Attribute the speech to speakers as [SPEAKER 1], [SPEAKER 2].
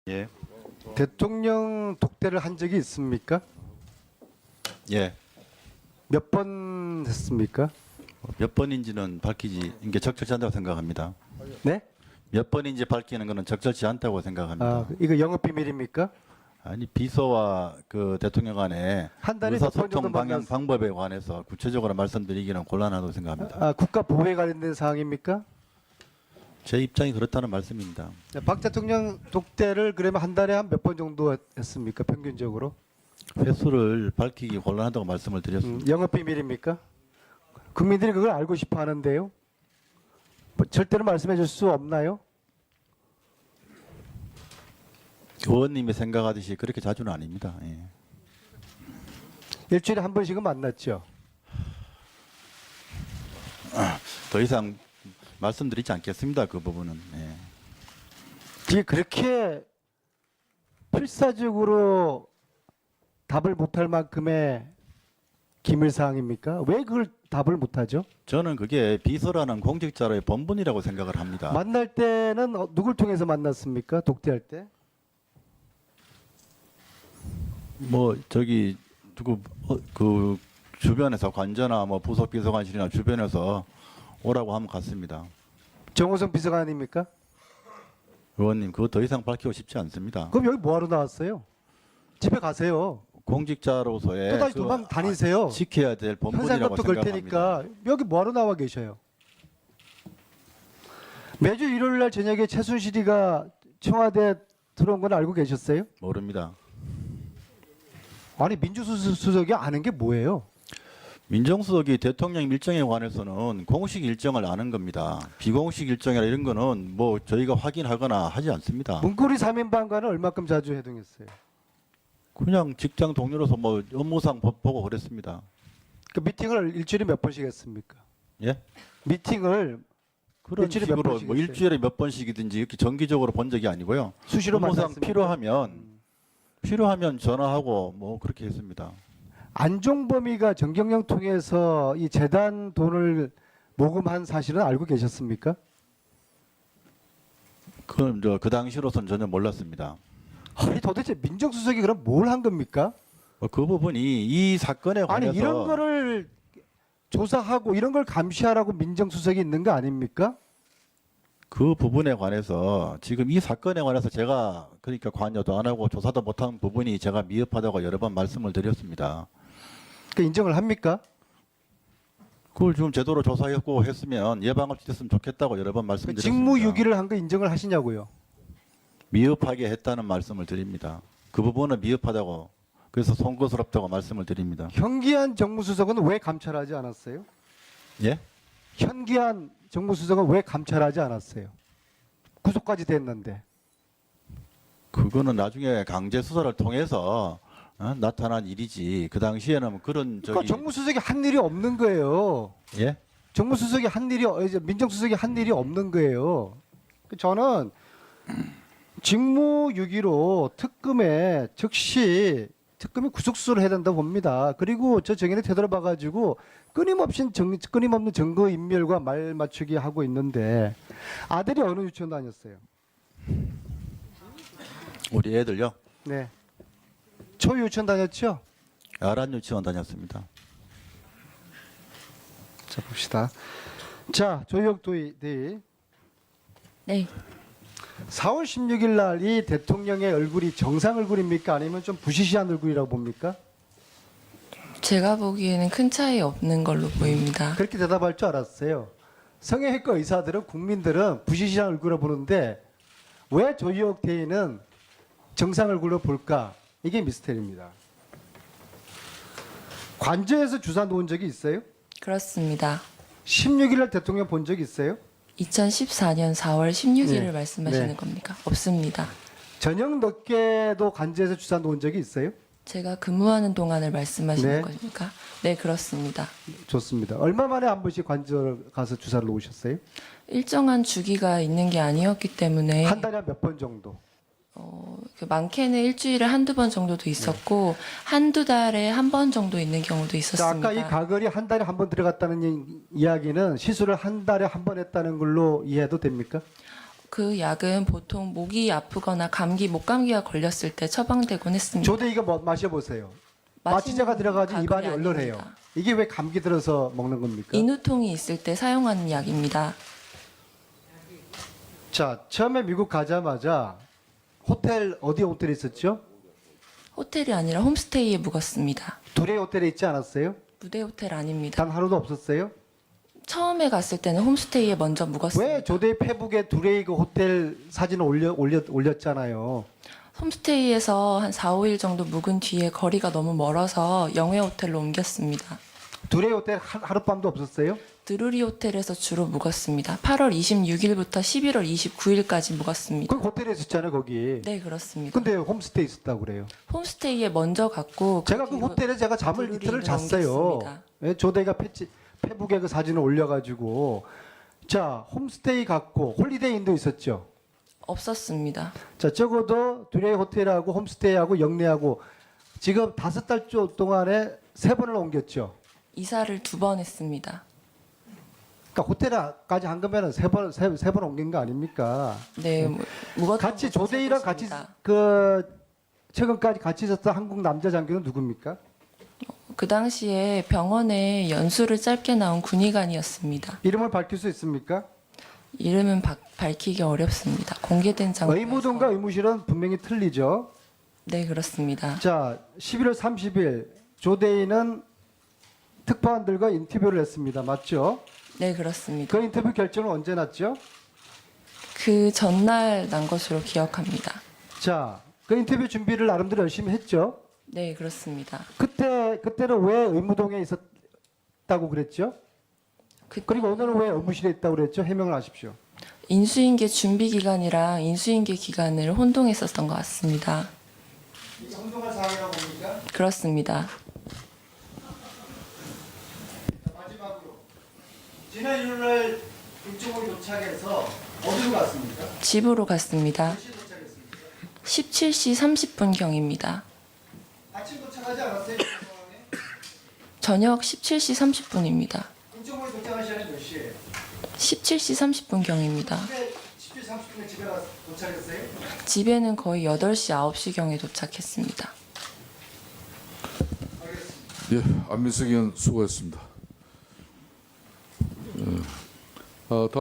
[SPEAKER 1] 예.
[SPEAKER 2] 대통령 독대를 한 적이 있습니까?
[SPEAKER 1] 예.
[SPEAKER 2] 몇 번 했습니까?
[SPEAKER 1] 몇 번인지는 밝히지 이게 적절치 않다고 생각합니다.
[SPEAKER 2] 네?
[SPEAKER 1] 몇 번인지 밝히는 것은 적절치 않다고 생각합니다.
[SPEAKER 2] 아, 이거 영업 비밀입니까?
[SPEAKER 1] 아니 비서와 그 대통령 간의
[SPEAKER 2] 한 달에 몇번 정도
[SPEAKER 1] 의사소통 방향
[SPEAKER 2] 만났-
[SPEAKER 1] 방법에 관해서 구체적으로 말씀드리기는 곤란하다고 생각합니다.
[SPEAKER 2] 아, 국가 보호에 관련된 사항입니까?
[SPEAKER 1] 제 입장이 그렇다는 말씀입니다.
[SPEAKER 2] 네, 박 대통령 독대를 그러면 한 달에 한 몇 번 정도 했습니까? 평균적으로?
[SPEAKER 1] 횟수를 밝히기 곤란하다고 말씀을 드렸습니다.
[SPEAKER 2] 영업 비밀입니까? 국민들이 그걸 알고 싶어 하는데요. 뭐 절대로 말씀해 줄 수 없나요?
[SPEAKER 1] 의원님이 생각하듯이 그렇게 자주는 아닙니다. 예.
[SPEAKER 2] 일주일에 한 번씩은 만났죠.
[SPEAKER 1] 더 이상 말씀드리지 않겠습니다. 그 부분은. 예.
[SPEAKER 2] 이게 그렇게 필사적으로 답을 못할 만큼의 기밀사항입니까? 왜 그걸 답을 못하죠?
[SPEAKER 1] 저는 그게 비서라는 공직자로의 본분이라고 생각을 합니다.
[SPEAKER 2] 만날 때는 누굴 통해서 만났습니까? 독대할 때?
[SPEAKER 1] 뭐 저기 누구 그 주변에서 관저나 뭐 부속 비서관실이나 주변에서 오라고 하면 갔습니다.
[SPEAKER 2] 정호성 비서관입니까?
[SPEAKER 1] 의원님 그거 더 이상 밝히고 싶지 않습니다.
[SPEAKER 2] 그럼 여기 뭐하러 나왔어요? 집에 가세요.
[SPEAKER 1] 공직자로서의
[SPEAKER 2] 또다시
[SPEAKER 1] 그
[SPEAKER 2] 도망 다니세요.
[SPEAKER 1] 지켜야 될 본분이라고
[SPEAKER 2] 현상금도 걸
[SPEAKER 1] 생각합니다.
[SPEAKER 2] 테니까 여기 뭐하러 나와 계셔요? 매주 일요일 날 저녁에 최순실이가 청와대 들어온 건 알고 계셨어요?
[SPEAKER 1] 모릅니다.
[SPEAKER 2] 아니 민주수석이 아는 게 뭐예요?
[SPEAKER 1] 민정수석이 대통령 일정에 관해서는 공식 일정을 아는 겁니다. 비공식 일정이나 이런 거는 뭐 저희가 확인하거나 하지 않습니다.
[SPEAKER 2] 문고리 3인방과는 얼마큼 자주 회동했어요?
[SPEAKER 1] 그냥 직장 동료로서 뭐 업무상 보고 그랬습니다.
[SPEAKER 2] 그 미팅을 일주일에 몇 번씩 했습니까?
[SPEAKER 1] 예?
[SPEAKER 2] 미팅을
[SPEAKER 1] 그런
[SPEAKER 2] 일주일에 몇
[SPEAKER 1] 식으로
[SPEAKER 2] 번씩
[SPEAKER 1] 뭐
[SPEAKER 2] 했어요?
[SPEAKER 1] 일주일에 몇 번씩이든지 이렇게 정기적으로 본 적이 아니고요.
[SPEAKER 2] 수시로
[SPEAKER 1] 업무상
[SPEAKER 2] 만났습니까?
[SPEAKER 1] 필요하면 전화하고 뭐 그렇게 했습니다.
[SPEAKER 2] 안종범이가 정경영 통해서 이 재단 돈을 모금한 사실은 알고 계셨습니까?
[SPEAKER 1] 그 당시로선 전혀 몰랐습니다.
[SPEAKER 2] 아니 도대체 민정수석이 그럼 뭘 한 겁니까?
[SPEAKER 1] 그 부분이 이 사건에 관해서
[SPEAKER 2] 아니 이런 거를 조사하고 이런 걸 감시하라고 민정수석이 있는 거 아닙니까?
[SPEAKER 1] 그 부분에 관해서 지금 이 사건에 관해서 제가 그러니까 관여도 안 하고 조사도 못한 부분이 제가 미흡하다고 여러 번 말씀을 드렸습니다.
[SPEAKER 2] 그 인정을 합니까?
[SPEAKER 1] 그걸 좀 제대로 조사했고 했으면 예방을 지켰으면 좋겠다고 여러 번
[SPEAKER 2] 그
[SPEAKER 1] 말씀드렸습니다.
[SPEAKER 2] 직무유기를 한 거 인정을 하시냐고요?
[SPEAKER 1] 미흡하게 했다는 말씀을 드립니다. 그 부분은 미흡하다고 그래서 송구스럽다고 말씀을 드립니다.
[SPEAKER 2] 현기한 정무수석은 왜 감찰하지 않았어요?
[SPEAKER 1] 예?
[SPEAKER 2] 현기한 정무수석은 왜 감찰하지 않았어요? 구속까지 됐는데.
[SPEAKER 1] 그거는 나중에 강제 수사를 통해서 나타난 일이지. 그 당시에는 그런
[SPEAKER 2] 그러니까
[SPEAKER 1] 저기
[SPEAKER 2] 정무수석이 한 일이 없는 거예요.
[SPEAKER 1] 예?
[SPEAKER 2] 정무수석이 한 일이 이제 민정수석이 한 일이 없는 거예요. 저는 직무유기로 특검에 즉시 특검이 구속수사를 해야 된다고 봅니다. 그리고 저 정인의 태도를 봐가지고 끊임없는 증거 인멸과 말 맞추기 하고 있는데 아들이 어느 유치원 다녔어요?
[SPEAKER 1] 우리 애들요?
[SPEAKER 2] 네. 초유치원 다녔죠?
[SPEAKER 1] 아란 유치원 다녔습니다.
[SPEAKER 2] 자 봅시다. 자 조희옥 대의
[SPEAKER 3] 네,
[SPEAKER 2] 4월 16일 날 이 대통령의 얼굴이 정상 얼굴입니까? 아니면 좀 부시시한 얼굴이라고 봅니까?
[SPEAKER 3] 제가 보기에는 큰 차이 없는 걸로 보입니다.
[SPEAKER 2] 그렇게 대답할 줄 알았어요. 성형외과 의사들은 국민들은 부시시한 얼굴로 보는데 왜 조희옥 대의는 정상 얼굴로 볼까? 이게 미스터리입니다. 관저에서 주사 놓은 적이 있어요?
[SPEAKER 3] 그렇습니다.
[SPEAKER 2] 16일 날 대통령 본 적 있어요?
[SPEAKER 3] 2014년 4월 16일을
[SPEAKER 2] 네.
[SPEAKER 3] 말씀하시는
[SPEAKER 2] 네.
[SPEAKER 3] 겁니까? 없습니다.
[SPEAKER 2] 저녁 늦게도 관저에서 주사 놓은 적이 있어요?
[SPEAKER 3] 제가 근무하는 동안을 말씀하시는
[SPEAKER 2] 네.
[SPEAKER 3] 겁니까? 네, 그렇습니다.
[SPEAKER 2] 좋습니다. 얼마 만에 한 번씩 관저 가서 주사를 놓으셨어요?
[SPEAKER 3] 일정한 주기가 있는 게 아니었기 때문에
[SPEAKER 2] 한 달에 몇 번 정도?
[SPEAKER 3] 그 많게는 일주일에 한두 번 정도도 있었고 한두 달에 한 번 정도 있는 경우도
[SPEAKER 2] 자,
[SPEAKER 3] 있었습니다.
[SPEAKER 2] 아까 이 가글이 한 달에 한 번 들어갔다는 이야기는 시술을 한 달에 한 번 했다는 걸로 이해해도 됩니까?
[SPEAKER 3] 그 약은 보통 목이 아프거나 감기, 목감기가 걸렸을 때 처방되곤 했습니다.
[SPEAKER 2] 조대 이거 뭐 마셔보세요.
[SPEAKER 3] 마시는
[SPEAKER 2] 마취제가 들어가지고 입안이
[SPEAKER 3] 가글이
[SPEAKER 2] 얼얼해요.
[SPEAKER 3] 아닙니다.
[SPEAKER 2] 이게 왜 감기 들어서 먹는 겁니까?
[SPEAKER 3] 인후통이 있을 때 사용하는 약입니다.
[SPEAKER 2] 자, 처음에 미국 가자마자 호텔 어디 호텔에 있었죠?
[SPEAKER 3] 호텔이 아니라 홈스테이에 묵었습니다.
[SPEAKER 2] 두레이 호텔에 있지 않았어요?
[SPEAKER 3] 무대 호텔 아닙니다.
[SPEAKER 2] 단 하루도 없었어요?
[SPEAKER 3] 처음에 갔을 때는 홈스테이에 먼저 묵었습니다.
[SPEAKER 2] 왜 조대 페북에 두레이 그 호텔 사진을 올렸잖아요.
[SPEAKER 3] 홈스테이에서 한 4, 5일 정도 묵은 뒤에 거리가 너무 멀어서 영회 호텔로 옮겼습니다.
[SPEAKER 2] 두레이 호텔 하룻밤도 없었어요?
[SPEAKER 3] 드루리 호텔에서 주로 묵었습니다. 8월 26일부터 11월 29일까지 묵었습니다.
[SPEAKER 2] 그 호텔에 있었잖아요, 거기.
[SPEAKER 3] 네, 그렇습니다.
[SPEAKER 2] 근데 홈스테이 있었다고 그래요.
[SPEAKER 3] 홈스테이에 먼저 갔고
[SPEAKER 2] 제가 그
[SPEAKER 3] 뒤로
[SPEAKER 2] 호텔에 제가 잠을
[SPEAKER 3] 드루리로
[SPEAKER 2] 이틀을 잤어요.
[SPEAKER 3] 옮겼습니다.
[SPEAKER 2] 예, 조대가 페북에 그 사진을 올려가지고 자 홈스테이 갔고 홀리데이인도 있었죠.
[SPEAKER 3] 없었습니다.
[SPEAKER 2] 자 적어도 두레이 호텔하고 홈스테이하고 영내하고 지금 5달 동안에 3번을 옮겼죠.
[SPEAKER 3] 이사를 2번 했습니다.
[SPEAKER 2] 그러니까 호텔까지 한 거면은 세 번 옮긴 거 아닙니까?
[SPEAKER 3] 네, 묵었던
[SPEAKER 2] 같이
[SPEAKER 3] 곳은
[SPEAKER 2] 조대이랑
[SPEAKER 3] 세
[SPEAKER 2] 같이
[SPEAKER 3] 곳입니다.
[SPEAKER 2] 그 최근까지 같이 있었던 한국 남자 장교는 누굽니까?
[SPEAKER 3] 그 당시에 병원에 연수를 짧게 나온 군의관이었습니다.
[SPEAKER 2] 이름을 밝힐 수 있습니까?
[SPEAKER 3] 이름은 밝히기 어렵습니다. 공개된 장소에서.
[SPEAKER 2] 의무동과 의무실은 분명히 틀리죠.
[SPEAKER 3] 네, 그렇습니다.
[SPEAKER 2] 자, 11월 30일 조대인은 특파원들과 인터뷰를 했습니다. 맞죠?
[SPEAKER 3] 네, 그렇습니다.
[SPEAKER 2] 그 인터뷰 결정은 언제 났죠?
[SPEAKER 3] 그 전날 난 것으로 기억합니다.
[SPEAKER 2] 자, 그 인터뷰 준비를 나름대로 열심히 했죠.
[SPEAKER 3] 네, 그렇습니다.
[SPEAKER 2] 그때는 왜 의무동에 있었다고 그랬죠? 그리고 오늘은 왜 의무실에 있다고 그랬죠? 해명을 하십시오.
[SPEAKER 3] 인수인계 준비 기간이랑 인수인계 기간을 혼동했었던 것 같습니다.
[SPEAKER 2] 이게 혼동할 사항이라고 봅니까?
[SPEAKER 3] 그렇습니다.
[SPEAKER 2] 마지막으로 지난 일요일 북쪽으로 도착해서 어디로 갔습니까?
[SPEAKER 3] 집으로 갔습니다.
[SPEAKER 2] 몇 시에 도착했습니까?
[SPEAKER 3] 17시 30분 경입니다.
[SPEAKER 2] 아침 도착하지 않았어요? 이 상황에?
[SPEAKER 3] 저녁 17시 30분입니다.
[SPEAKER 2] 북쪽으로 도착한 시간이 몇 시예요?
[SPEAKER 3] 17시 30분 경입니다.
[SPEAKER 2] 17시 30분에 집에 도착했어요?
[SPEAKER 3] 집에는 거의 8시, 9시 경에 도착했습니다.
[SPEAKER 4] 예, 안민석 의원 수고했습니다.